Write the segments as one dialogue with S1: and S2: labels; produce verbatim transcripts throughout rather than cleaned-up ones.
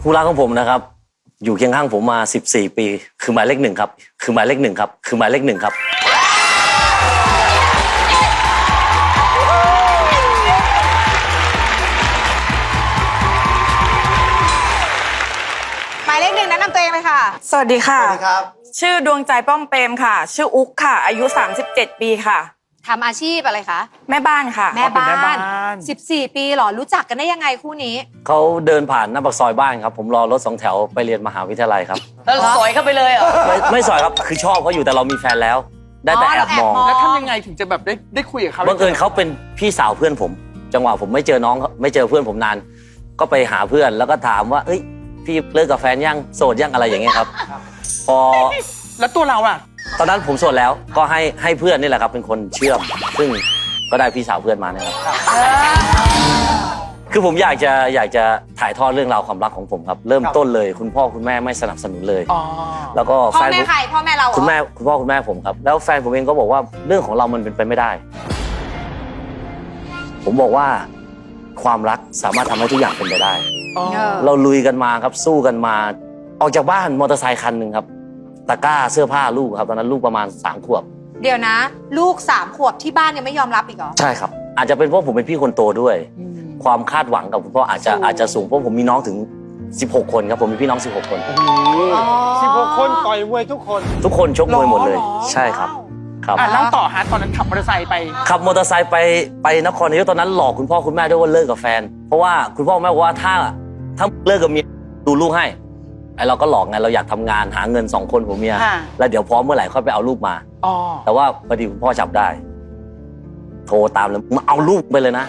S1: คู่รักของผมนะครับอยู่เคียงข้างผมมาสิบสี่ปีคือหมายเลขหนึ่งครับคือหมายเลขหนึ่งครับคือหมายเลขหนึ่งครับ
S2: หมายเลขหนึ่งแนะนำตัวเองเลยค่ะ
S3: สวัสดีค่ะ
S4: สวัสดีครับ
S3: ชื่อดวงใจป้อมเปรมค่ะ ชื่ออุ๊กค่ะ อายุสามสิบเจ็ดปีค่ะ
S2: ทำอาชีพอะไรคะ
S3: แม่บ้านค่ะ
S2: แม่บ้า
S4: แม่บ้าน น
S2: สิบสี่ปีเหรอรู้จักกันได้ยังไงคู่นี้
S1: เขาเดินผ่านหน้าปากซอยบ้านครับผมรอรถสองแถวไปเรียนมหาวิทยาลัยครับ
S5: แล้วสอยเข้าไปเลยเหรอ
S1: ไม่ไม่สอยครับคือชอบเขาอยู่แต่เรามีแฟนแล้ว ได้แต่
S2: อ๋อ
S1: แอบมอง
S2: เราแอบมอง
S4: แล้วทำยังไงถึงจะแบบได้ได้คุยกับเขา
S1: บังเอิญเขาเป็นพี่สาวเพื่อนผม จังหวะผมไม่เจอน้องไม่เจอเพื่อนผมนาน ก็ไปหาเพื่อนแล้วก็ถามว่าเอ้ยพี่เลิกกับแฟนยังโสดยังอะไรอย่างเงี้ยครับพอ
S4: แล้วตัวเราอ่ะ
S1: ตอนนั้นผมโสดแล้วก็ให้ให้เพื่อนนี่แหละครับเป็นคนเชื่อม ซึ่งก็ได้พี่สาวเพื่อนมาเนี่ยครับคือผมอยากจะอยากจะถ่ายทอดเรื่องราวความรักของผมครับ เริ่มต้นเลย คุณพ่อคุณแม่ไม่สนับสนุนเลย
S4: อ๋อ
S1: แล้วก็
S2: พ่อ
S1: แฟน
S2: แม่
S1: ผม
S2: ใครพ่อแม่เราเหรอ
S1: คุณแม่คุณพ่อคุณแม่ผมครับ แล้วแฟนผมเองก็บอกว่าเรื่องของเรามันเป็นไปไม่ได้ ผมบอกว่าความรักสามารถทำให้ทุกอย่างเป็นไปได้
S4: อ๋อ
S2: เออ
S1: เราลุยกันมาครับสู้กันมา ออกจากบ้านมอเตอร์ไซค์คันหนึ่งครับตะกร้าเสื้อผ้าลูกครับตอนนั้นลูกประมาณสามขวบ
S2: เดี๋ยวนะ ลูกสามขวบที่บ้านยังไม่ยอมรับอีกเหรอ
S1: ใช่ครับ อาจจะเป็นเพราะผมเป็นพี่คนโตด้วย ความคาดหวังกับคุณพ่ออาจจะ
S2: สูง
S1: อาจจะสูงเพราะผมมีน้องถึงสิบหกคนครับผมมีพี่น้องสิบหกคน
S2: อ๋อ
S6: สิบหกคนต่อยมวยทุกคน
S1: ทุกคนชกมวยหมดเลย
S4: หรอ
S1: ใช่ครับครับ
S4: อ่ะเล่าต่อฮะตอนนั้นขับมอเตอร์ไซค์ไป
S1: ขับมอเตอร์ไซค์ไปไปนครนายกตอนนั้นหลอกคุณพ่อคุณแม่ด้วยว่าเลิกกับแฟน เพราะว่าคุณพ่อคุณแม่บอกว่าถ้าถ้าเลิกกับเมียดูลูกให้ไอเราก็หลอกไงเราอยากทำงานหาเงินสองคนผมเมีย
S4: ค่ะ
S1: แล้วเดี๋ยวพร้อมเมื่อไหร่ค่อยไปเอาลูกมา
S4: อ๋อ
S1: แต่ว่าพอดีคุณพ่อจับได้ โทรตามเลยมาเอาลูกไปเลยนะ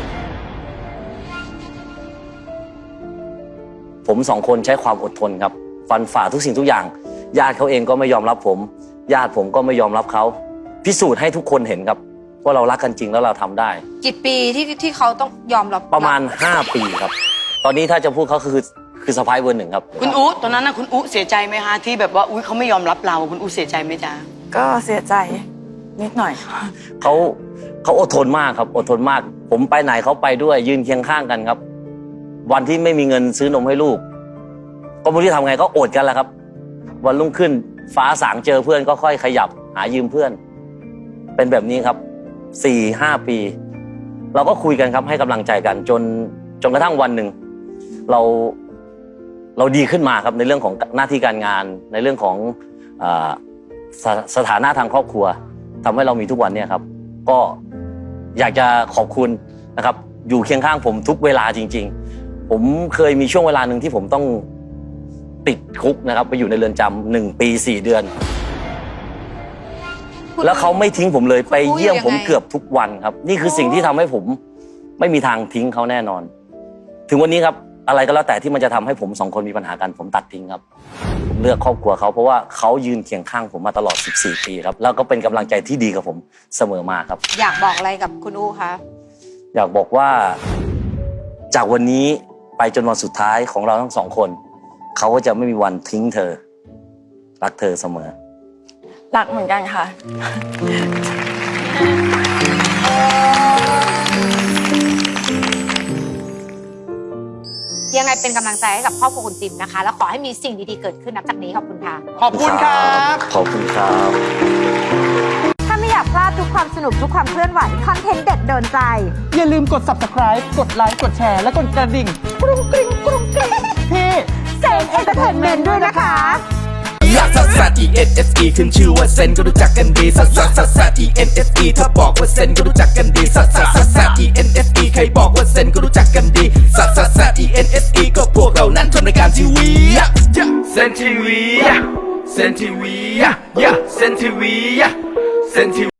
S1: ผมสองคนใช้ความอดทนครับ ฟันฝ่าทุกสิ่งทุกอย่าง ญาติเขาเองก็ไม่ยอมรับผม ญาติผมก็ไม่ยอมรับเขาพิสูจน์ให้ทุกคนเห็นครับว่าเรารักกันจริงแล้วเราทำได้
S2: กี่ปีที่ที่เขาต้องยอมรับ
S1: ประมาณห้าปีครับ ตอนนี้ถ้าจะพูดเขาคือคือสะพ้ายเบอร์หนึ่งครับ
S5: คุณอุ๊ตอนนั้นนะคุณอุ๊เสียใจไหมฮะที่แบบว่าอุ๊ยเขาไม่ยอมรับเราคุณอุ๊เสียใจไหมจ๊ะ
S3: ก็เสียใจนิดหน่อย
S1: เขาเขาอดทนมากครับ อดทนมาก ผมไปไหนเขาไปด้วย ยืนเคียงข้างกันครับ วันที่ไม่มีเงินซื้อนมให้ลูก ก็ไม่รู้จะทำไงก็อดกันแหละครับ วันรุ่งขึ้นฟ้าสางเจอเพื่อนก็ค่อยขยับหายืมเพื่อน เป็นแบบนี้ครับสี่ห้าปี เราก็คุยกันครับให้กำลังใจกันจนจนกระทั่งวันหนึ่งเราเราดีขึ้นมาครับในเรื่องของหน้าที่การงานในเรื่องของเอ่อสสถานะทางครอบครัวทำให้เรามีทุกวันเนี่ยครับ ก็อยากจะขอบคุณนะครับ อยู่เคียงข้างผมทุกเวลาจริง ๆ ผมเคยมีช่วงเวลาหนึ่งที่ผมต้องติดคุกนะครับ ไปอยู่ในเรือนจำหนึ่งปีสี่เดือน
S2: คุณ
S1: แล้วเขาไม่ทิ้งผมเลย
S2: คุณ
S1: ไปเยี่ยม
S2: รู้
S1: ผม
S2: ยังไง
S1: เกือบทุกวันครับ นี่คือสิ่งที่ทำให้ผมไม่มีทางทิ้งเขาแน่นอน ถึงวันนี้ครับอะไรก็แล้วแต่ที่มันจะทำให้ผมสองคนมีปัญหากันผมตัดทิ้งครับผมเลือกครอบครัวเขาเพราะว่าเขายืนเคียงข้างผมมาตลอดสิบสี่ปีครับแล้วก็เป็นกำลังใจที่ดีกับผมเสมอมาครับ
S2: อยากบอกอะไรกับคุณอู้คะ
S1: อยากบอกว่าจากวันนี้ไปจนวันสุดท้ายของเราทั้งสองคนเขาก็จะไม่มีวันทิ้งเธอรักเธอเสมอ
S3: รักเหมือนกันค่ะ
S2: ยังไงเป็นกำลังใจให้กับครอบครัวคุณติมนะคะ แล้วขอให้มีสิ่งดีๆเกิดขึ้นนับจากนี้ขอบคุณค่ะ
S4: ขอบคุณครับ
S1: ขอบคุณครับ
S7: ถ้าไม่อยากพลาดทุกความสนุกทุกความเคลื่อนไหว คอนเทนต์เด็ดโดนใจ
S4: อย่าลืมกด ซับสไครบ์ กดไลค์ กดแชร์ และกดกระดิ่ง กรุงกริ๊งกรุงกริ๊งที่
S7: เซนเอนเตอร์เทนเมนต์ด้วยนะคะ
S8: ลักซัสซัส E N S E ขึ้นชื่อว่าเซนก็รู้จักกันดีซัสซัสซัสซัส E N S E ถ้าบอกว่าเซนก็รู้จักกันดีซัสซัสซัสซัส E N S E ใครบอกว่าเซนก็รู้จักกันดีซัสซัสซัส E N S E ก็พวกเรานั้นทำรายการทีวีเซนทีวีเซนทีวีเซนทีวีเซนทีวี